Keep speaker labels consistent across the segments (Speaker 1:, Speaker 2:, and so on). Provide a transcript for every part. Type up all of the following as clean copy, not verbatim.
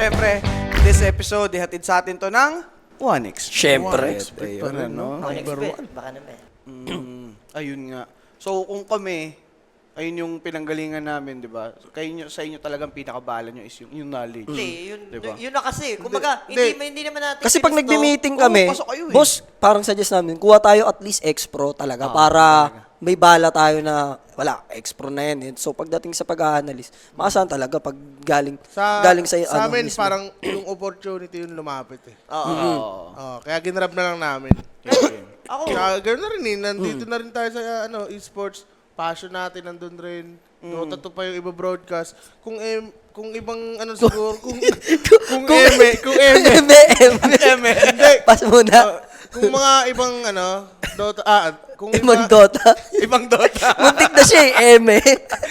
Speaker 1: syempre, this episode, ihatid sa atin to ng OneXBet.
Speaker 2: Syempre.
Speaker 1: Ayun, no?
Speaker 3: Number 1. Baka naman.
Speaker 1: Ayun nga. So, kung kami, ayun yung pinanggalingan namin, di ba? Sa inyo talagang pinakabalan nyo is yung knowledge.
Speaker 3: Hindi,
Speaker 1: Diba?
Speaker 3: yun na kasi. Kumbaga,
Speaker 1: Hindi.
Speaker 3: hindi naman natin
Speaker 2: Kasi pag
Speaker 3: pinusto.
Speaker 2: nagbi-meeting kami,
Speaker 1: pasok kayo eh.
Speaker 2: boss, parang suggest namin, kuha tayo at least ex-pro talaga para may bala tayo na, wala, ex-pro na yan. So pagdating sa pag-a-analyze, makasahan talaga pag galing sa
Speaker 4: Sa
Speaker 2: ano
Speaker 4: amin,
Speaker 2: mismo.
Speaker 4: parang yung opportunity yung lumapit eh.
Speaker 3: Oo.
Speaker 4: Kaya ginrab na lang namin.
Speaker 3: Ako,
Speaker 4: Kaya gano'n na rin eh. Nandito na rin tayo sa esports. Passion natin nandun rin. Dota 2 pa yung iba-broadcast. Kung ibang ano siguro, kung eme. Hindi.
Speaker 2: Pas muna.
Speaker 4: Kung mga ibang Dota, kung
Speaker 2: Ibang Dota.
Speaker 4: ibang Dota.
Speaker 2: Muntik na siya eh, Eme.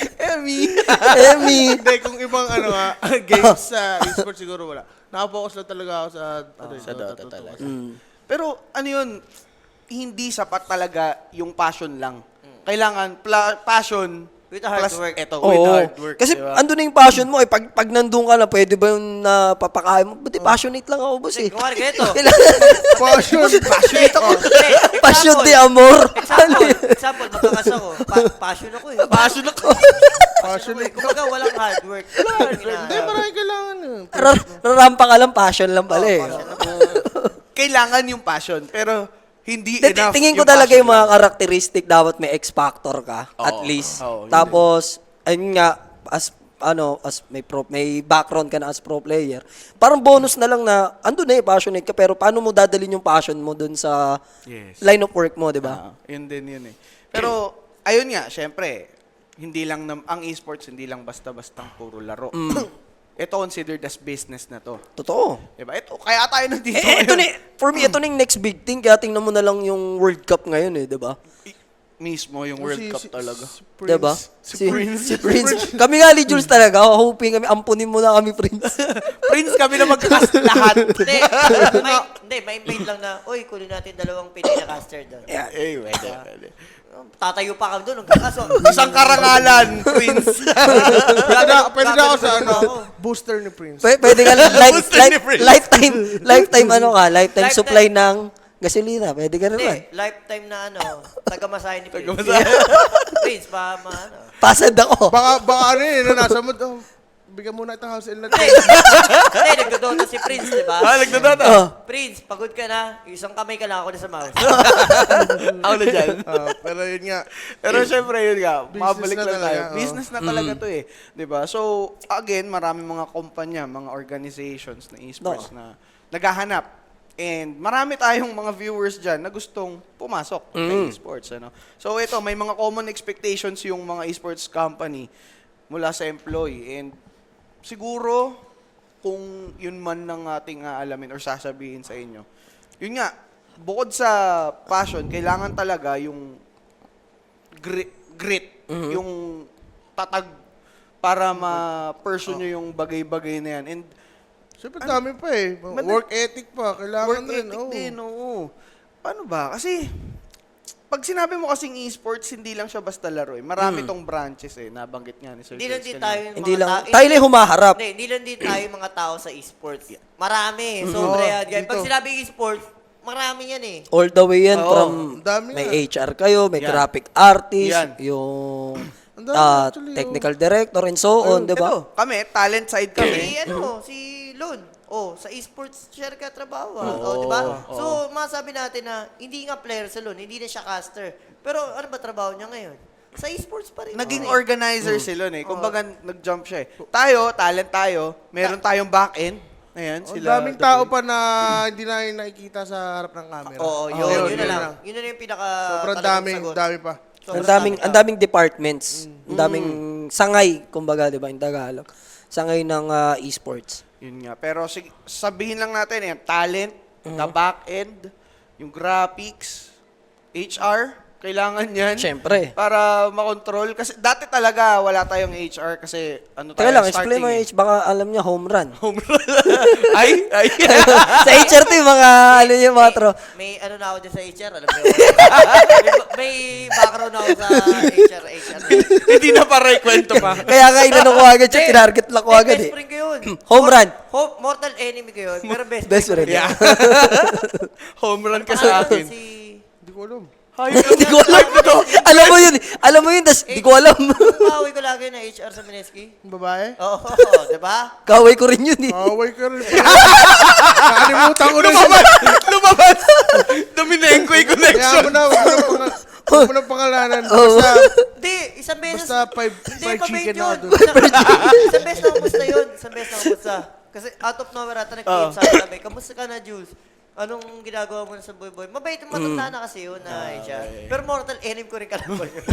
Speaker 2: Emi.
Speaker 4: Hindi, kung ibang games sa esports siguro wala. Nakapokus lang talaga ako sa Dota talaga.
Speaker 1: Pero ano yun, hindi sapat talaga yung passion lang. Kailangan passion
Speaker 3: With hard
Speaker 1: plus
Speaker 3: work.
Speaker 1: with
Speaker 2: Oo.
Speaker 1: hard work.
Speaker 2: Kasi
Speaker 1: diba?
Speaker 2: andun na yung passion mo eh. Pag nandun ka na, pwede ba yung napapakain mo? Buti passionate lang ako, boss eh.
Speaker 3: kumari ganito.
Speaker 4: Passion.
Speaker 1: Passionate ako.
Speaker 2: Passion de amor.
Speaker 3: Example, magkakas ako. Passion ako eh.
Speaker 1: Passion ako.
Speaker 3: Passion ako eh. Kumbaga, walang hard work.
Speaker 4: Hindi, marami kailangan yun.
Speaker 2: Rarampa ka lang, passion lang pala eh.
Speaker 1: Kailangan yung passion, pero hindi enough.
Speaker 2: Tingin ko
Speaker 1: yung
Speaker 2: talaga
Speaker 1: passion
Speaker 2: yung mga
Speaker 1: lang.
Speaker 2: karakteristik dapat may X factor ka at least.
Speaker 1: Oo, yun
Speaker 2: Tapos ayun nga as may background ka na as pro player. Parang bonus na lang na andun na passionate ka pero paano mo dadalhin yung passion mo dun sa
Speaker 1: Yes.
Speaker 2: line of work mo, 'di ba?
Speaker 1: Yun din yun eh. Pero, ayun nga, syempre, hindi lang, ang esports, hindi lang basta-bastang puro laro. Ito considered as business na to.
Speaker 2: Totoo.
Speaker 1: Diba? Ito, kaya tayo nandito
Speaker 2: Ito
Speaker 1: ngayon.
Speaker 2: for me ito na yung next big thing kaya tingnan mo na lang yung World Cup ngayon eh, 'di ba?
Speaker 1: Mismo yung World Cup talaga.
Speaker 2: Diba?
Speaker 1: Si Prince.
Speaker 2: Si Prince. Kami nga, Jules talaga. Hoping kami, ampunin mo na kami, Prince.
Speaker 1: Prince kami na magkakast lahat.
Speaker 3: May invite lang na, uy, kunin natin dalawang Pinay na caster doon.
Speaker 2: Yeah.
Speaker 1: Pwede.
Speaker 3: Tatayo pa kami doon. Kaso,
Speaker 1: Isang karangalan, Prince.
Speaker 4: Pwede na ako sa booster ni Prince.
Speaker 2: Pwede ka
Speaker 1: Gusto ni Prince.
Speaker 2: lifetime
Speaker 3: Lifetime.
Speaker 2: supply ng gasolina. Pwede ka naman.
Speaker 3: lifetime na tagamasahe ni Prince.
Speaker 1: Tagamasahe.
Speaker 3: Prince,
Speaker 2: Pasad ako.
Speaker 4: Baka nasa mood, bigyan muna itong house in natin.
Speaker 3: Hindi, nagdodota si Prince, di ba?
Speaker 1: Nagdadata.
Speaker 3: Prince, pagod ka na. Isang kamay ka lang ako na sa mouse.
Speaker 1: Ako na dyan.
Speaker 4: Pero yun nga.
Speaker 1: Pero syempre yun nga,
Speaker 4: Business
Speaker 1: mabalik
Speaker 4: na
Speaker 1: lang tayo.
Speaker 4: talaga,
Speaker 1: Business na talaga to eh. 'Di ba? So, again, maraming mga kumpanya, mga organizations na esports na naghahanap. And marami tayong mga viewers dyan na gustong pumasok sa esports. Ano? So ito, may mga common expectations yung mga esports company mula sa employee. And siguro, kung yun man ng ating alamin or sasabihin sa inyo, yun nga, bukod sa passion, kailangan talaga yung grit yung tatag para ma-pursue nyo yung bagay-bagay na yan. And
Speaker 4: Siyempre dami pa eh. Work ethic pa. Kailangan
Speaker 1: work
Speaker 4: rin.
Speaker 1: ethic din, oo. Paano ba? Kasi, pag sinabi mo kasing esports, hindi lang siya basta laro eh. Marami tong branches eh. Nabanggit nga ni Sir
Speaker 3: Hindi lang
Speaker 1: Vince
Speaker 3: din
Speaker 1: kanina.
Speaker 3: tayo yung
Speaker 2: Hindi
Speaker 3: mga
Speaker 2: lang.
Speaker 3: tao.
Speaker 2: Tayo lang humaharap.
Speaker 3: Hindi lang din tayo yung mga tao sa esports. Marami. Sobra yan.
Speaker 4: dito.
Speaker 3: Pag sinabi esports, marami yan eh.
Speaker 2: All the way yan
Speaker 1: Oo,
Speaker 2: from
Speaker 4: ang dami
Speaker 2: may
Speaker 4: nga.
Speaker 2: HR kayo, may
Speaker 1: Yan.
Speaker 2: graphic artist,
Speaker 1: Yan.
Speaker 2: yung
Speaker 4: Ang dami actually,
Speaker 2: technical director and so on, 'di ba?
Speaker 1: Ito, kami, talent side kami.
Speaker 3: Si Lon. Sa esports share ka trabaho. Di ba? So, masabi natin na hindi nga player sa Lon, hindi na siya caster. Pero ano ba trabaho niya ngayon? Sa esports pa rin.
Speaker 1: Naging organizer sila eh. Kumbaga, nag-jump siya eh. Tayo, talent tayo. Meron tayong back-end. Ayan,
Speaker 4: Ang
Speaker 1: sila.
Speaker 4: daming tao pa na hindi na nakikita sa harap ng camera.
Speaker 3: Oo, yun na lang. Yun na yung pinaka
Speaker 4: Sobrang
Speaker 3: talagang sagot.
Speaker 4: dami pa.
Speaker 2: Ang daming departments, ang daming sangay, kumbaga, 'di ba, in Tagalog. Sangay ng esports.
Speaker 1: Yun nga. Pero sabihin lang natin, talent, the back-end, yung graphics, HR, Kailangan yan.
Speaker 2: Siyempre.
Speaker 1: Para makontrol. Kasi dati talaga wala tayong HR kasi ano tayo,
Speaker 2: Teka lang,
Speaker 1: starting
Speaker 2: explain mo
Speaker 1: eh.
Speaker 2: H, baka alam niya home run.
Speaker 1: Home run. ay.
Speaker 2: Sa HR to yung mga, ano yung mga tro.
Speaker 3: May ano na ako dyan sa HR, alam mo yun. may background ako sa HR.
Speaker 1: Hindi na para kwento pa.
Speaker 2: Kaya nga inano ko agad siya, tinarget lang ko agad
Speaker 3: Best
Speaker 2: eh.
Speaker 3: friend ko yun.
Speaker 2: Home run.
Speaker 3: Mortal enemy ko yun, pero best
Speaker 2: Best
Speaker 3: friend ko
Speaker 2: friend.
Speaker 3: yun.
Speaker 1: Yeah. Home run ka sa akin.
Speaker 4: Hindi ko alam.
Speaker 2: Hindi ko alam. Alam mo yun, tas di ko alam.
Speaker 3: Kumaway ko lagi na HR sa Mineski.
Speaker 4: Yung babae?
Speaker 3: Oo, diba?
Speaker 2: Kaway ko rin yun eh.
Speaker 4: Away ka rin. Nakalimutan ko na siya.
Speaker 1: Lumabas. Dominenko yung
Speaker 4: Kaya
Speaker 1: connection.
Speaker 4: mo na, huwag mo na pangalanan.
Speaker 2: Oo.
Speaker 3: Hindi, isang beses.
Speaker 4: Basta five
Speaker 3: Hindi,
Speaker 4: chicken
Speaker 3: mabait
Speaker 4: na
Speaker 3: yun.
Speaker 4: doon.
Speaker 3: Isang beses na kumusta yun. Isang beses na kumusta. Kasi out of nowhere ata nag-PM sa akin kami. Kamusta ka na, Jules? Anong ginagawa mo na sa Boy Boy? Mabait, matanda na kasi yun na siya. Pero mortal enemy ko rin kalaban yun.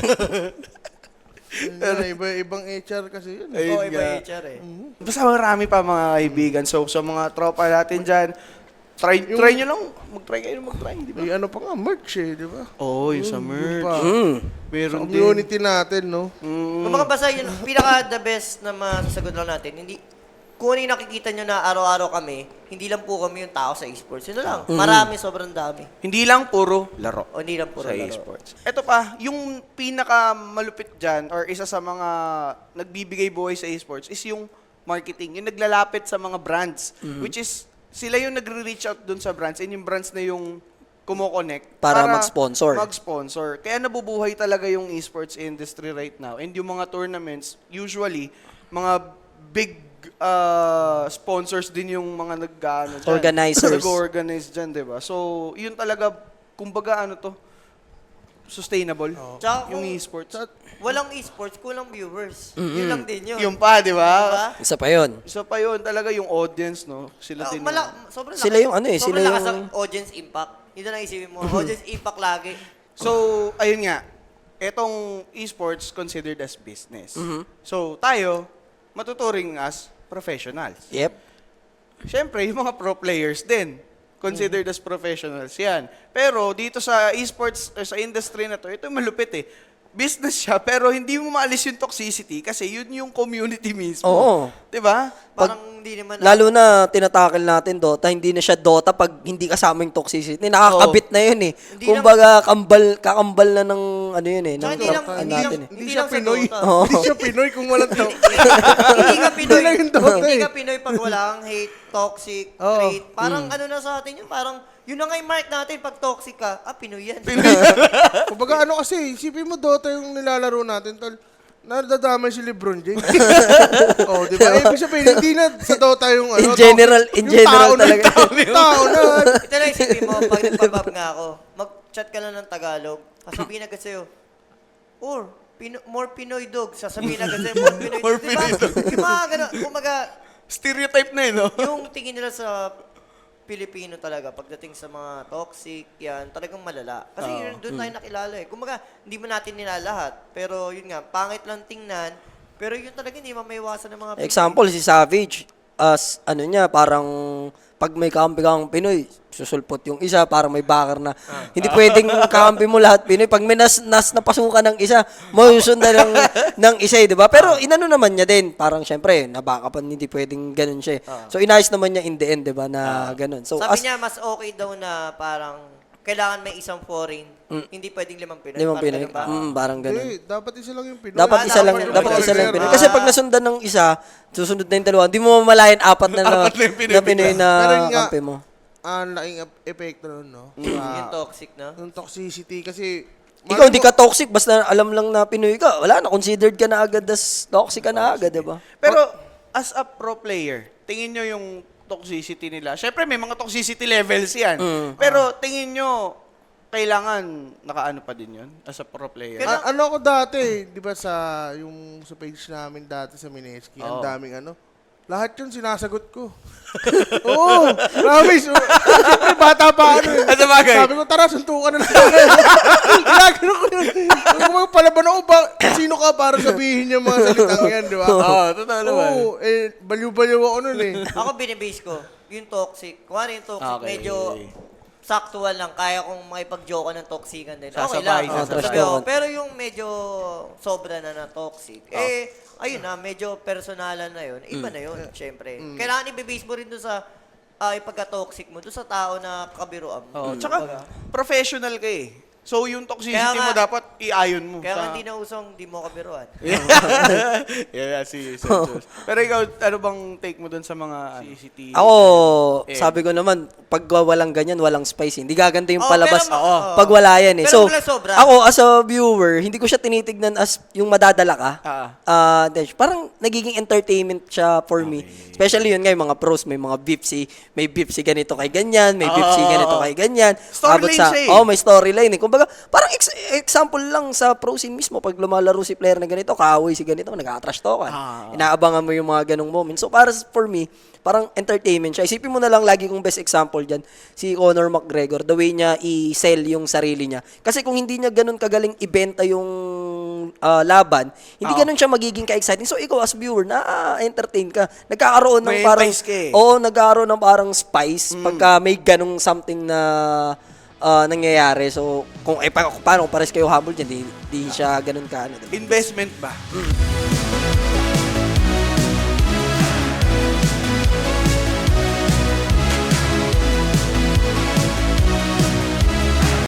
Speaker 4: Ibang HR kasi yun.
Speaker 1: Ayun
Speaker 3: Oo, iba
Speaker 1: nga.
Speaker 3: HR eh.
Speaker 1: Basta marami pa mga kaibigan. So, sa mga tropa natin dyan, try nyo lang. Mag-try kayo mag-try. Di ba?
Speaker 4: May ano pa nga, merch eh, di ba?
Speaker 1: Oo, yung sa merch.
Speaker 4: Pa.
Speaker 1: Meron
Speaker 4: Sa
Speaker 1: din.
Speaker 4: community natin, no?
Speaker 3: Kung mga basa yun, pinaka the best na masasagot lang natin, hindi, kung ano yung nakikita nyo na araw-araw kami, hindi lang po kami yung tao sa esports. Yun na lang. Marami, sobrang dami.
Speaker 1: Hindi lang puro laro.
Speaker 3: O hindi lang puro
Speaker 1: Sa
Speaker 3: laro.
Speaker 1: esports. Ito pa, yung pinaka malupit dyan or isa sa mga nagbibigay buhay sa esports is yung marketing. Yung naglalapit sa mga brands. Which is, sila yung nagre-reach out dun sa brands and yung brands na yung kumo-connect
Speaker 2: Para mag-sponsor.
Speaker 1: Mag-sponsor. Kaya nabubuhay talaga yung esports industry right now. And yung mga tournaments, usually, mga big sponsors din yung mga
Speaker 2: Organizers.
Speaker 1: nag-organize dyan, di ba? So, yun talaga, kumbaga ano to, sustainable.
Speaker 3: Tsaka
Speaker 1: Yung
Speaker 3: kung
Speaker 1: esports.
Speaker 3: walang esports, kulang viewers. Yun lang din yun.
Speaker 1: Yung pa, di ba?
Speaker 3: Diba?
Speaker 2: Isa pa yun.
Speaker 1: Isa pa yun, talaga yung audience, no? Sila din.
Speaker 3: Sobrang
Speaker 2: Sila yung ano eh,
Speaker 3: sobrang
Speaker 2: sila
Speaker 3: lakas
Speaker 2: yung-
Speaker 3: ang audience impact. Yun na isipin mo. Audience impact lagi.
Speaker 1: So, ayun nga, etong esports considered as business. So, tayo, matuturing as professionals.
Speaker 2: Yep.
Speaker 1: Siyempre, yung mga pro players din, considered as professionals yan. Pero dito sa esports, or sa industry na to, ito yung malupit eh. Business siya, pero hindi mo maalis yung toxicity kasi yun yung community mismo.
Speaker 2: Oo.
Speaker 1: Diba?
Speaker 3: Parang hindi naman.
Speaker 2: Lalo na tinatakil natin Dota, hindi na siya Dota pag hindi kasama yung toxicity. Nakakabit na yun eh.
Speaker 3: Hindi
Speaker 2: Kumbaga, kakambal na ng ano yun eh.
Speaker 3: Tsaka
Speaker 2: ng
Speaker 3: hindi lang,
Speaker 2: tropa
Speaker 3: hindi
Speaker 2: natin
Speaker 3: lang,
Speaker 2: eh.
Speaker 3: hindi
Speaker 4: siya
Speaker 3: lang sa
Speaker 4: Pinoy.
Speaker 3: Dota.
Speaker 4: Hindi siya Pinoy kung walang tao.
Speaker 3: Hindi ka Pinoy.
Speaker 4: Wala yung Dota
Speaker 3: Hindi
Speaker 4: eh.
Speaker 3: ka Pinoy pag wala kang hate, toxic,
Speaker 4: Oo.
Speaker 3: trait. Parang ano na sa atin yun, parang yun na nga yung mark natin pag toxic ka. Pinoy yan.
Speaker 4: Kumbaga ano kasi, isipin mo Dota yung nilalaro natin, tol. Nadadamay si LeBron James. Oh, di ba? Ibig sabihin, hindi na sa Dota yung ano.
Speaker 2: In general
Speaker 4: yung
Speaker 2: talaga.
Speaker 4: Tao na.
Speaker 3: Ito lang isipin mo, pag nagpabab nga ako, mag-chat ka lang ng Tagalog, sasabihin agad sa'yo, or, more Pinoy dog. Sasabihin agad sa'yo, more Pinoy dog.
Speaker 1: More Pinoy dog.
Speaker 3: Yung mga ganun, kumaga,
Speaker 1: Stereotype na yun, no?
Speaker 3: yung tingin nila sa Pilipino talaga, pagdating sa mga toxic, yan, talagang malala. Kasi yun, doon tayo nakilala eh. Kumaga, hindi mo natin nilalahat. Pero yun nga, pangit lang tingnan. Pero yun talaga, hindi mamaiwasan ng mga Pinoy.
Speaker 2: Example, si Savage, as ano niya, parang pag may kakampi kang Pinoy, susulpot yung isa, parang may bakar na. Hindi pwedeng kakampi mo lahat Pinoy. Pag may nas napasukan ng isa, mausundan ng isa, di ba? Pero inano naman niya din, parang syempre, nabakapan, hindi pwedeng ganun siya. So inayos naman niya in the end, di ba, na ganun. So
Speaker 3: Sabi niya, mas okay daw na parang kailangan may isang foreign. Hindi pwedeng 5 Pinoy.
Speaker 2: limang
Speaker 3: Parang
Speaker 2: Pinoy,
Speaker 3: ganun ba?
Speaker 2: parang ganun.
Speaker 4: Hindi, dapat isa lang yung Pinoy.
Speaker 2: Dapat isa lang, dapat isa lang Pinoy. Kasi pag nasundan ng isa, susunod na yung dalawa, hindi mo mamalayan apat na Pinoy na
Speaker 4: Pero yun nga,
Speaker 2: kampi mo.
Speaker 4: ang laking epekto nun, no?
Speaker 3: Yung toxic, no?
Speaker 4: Yung toxicity kasi...
Speaker 2: Ikaw hindi ka toxic, basta alam lang na Pinoy ka. Wala na, considered ka na agad as toxic ka na agad, di ba?
Speaker 1: Pero, as a pro player, tingin nyo yung toxicity nila. Siyempre, may mga toxicity levels yan. Pero, tingin nyo, kailangan nakaano pa din yun as a pro player?
Speaker 4: ano ako dati, di ba sa page namin dati sa Mineski, ang daming ano, lahat yun sinasagot ko. Oo, promise. Siyempre, bata pa ano eh.
Speaker 1: Sa bagay.
Speaker 4: Sabi ko, tara, suntukan na lang. Ginagano ko yun. Sabi ko, mga palaban ako ba? Sino ka para sabihin yung mga salitang yan, di ba?
Speaker 1: Oo, totoo naman.
Speaker 4: Oo, baliw-baliw ako nun eh.
Speaker 3: Ako binibase ko, yung toxic. Kung ano yung toxic,
Speaker 1: Okay.
Speaker 3: medyo saktuan lang, kaya kong makipag-joke ng toxican din. Okay
Speaker 1: Sasabay,
Speaker 3: lang.
Speaker 2: sasabay.
Speaker 3: Sabi ko, pero yung medyo sobra na toxic, ayun na, medyo personalan na yun. Iba na yun, syempre. Kailangan i-base mo rin doon sa pagka-toxic mo, doon sa tao na kabiruan mo.
Speaker 1: Tsaka, professional ka eh. So, yung toxicity
Speaker 3: Kaya nga-
Speaker 1: mo dapat iayon mo.
Speaker 3: Kaya hindi na usong di mo kabiruan.
Speaker 1: Yeah, si Jules. Pero ikaw, ano bang take mo dun sa mga CCTV?
Speaker 2: Ako,
Speaker 1: Eh.
Speaker 2: sabi ko naman, pag walang ganyan, walang spicy. Hindi gaganda yung
Speaker 3: Oo,
Speaker 2: palabas
Speaker 3: pero oo.
Speaker 2: pag wala yan eh.
Speaker 3: Pero
Speaker 2: So,
Speaker 3: wala sobra.
Speaker 2: ako as a viewer, hindi ko siya tinitignan as yung madadala ka. Parang nagiging entertainment siya for me. Especially yun nga, yung mga pros, may mga may beef si ganito kay ganyan, may beef si ganito kay ganyan.
Speaker 1: Storyline
Speaker 2: Abot
Speaker 1: siya eh.
Speaker 2: may storyline eh. Kumbaga, parang example lang sa pro scene mismo, pag lumalaro si player na ganito, kaaway si ganito, nag-atrash talkan. Inaabangan mo yung mga ganong moments. So, for me, parang entertainment siya. Isipin mo na lang lagi kong best example dyan, si Conor McGregor, the way niya i-sell yung sarili niya. Kasi kung hindi niya ganun kagaling ibenta yung laban, hindi ganun siya magiging ka-exciting. So, ikaw as viewer, na-entertain ka. Nagkakaroon ng
Speaker 1: May
Speaker 2: parang,
Speaker 1: entice ka eh.
Speaker 2: oo, nagkakaroon ng parang spice pagka may ganung something na nangyayari. So, paano pares kayo humble dyan, di siya ganun ka. Ano, diba?
Speaker 1: Investment ba?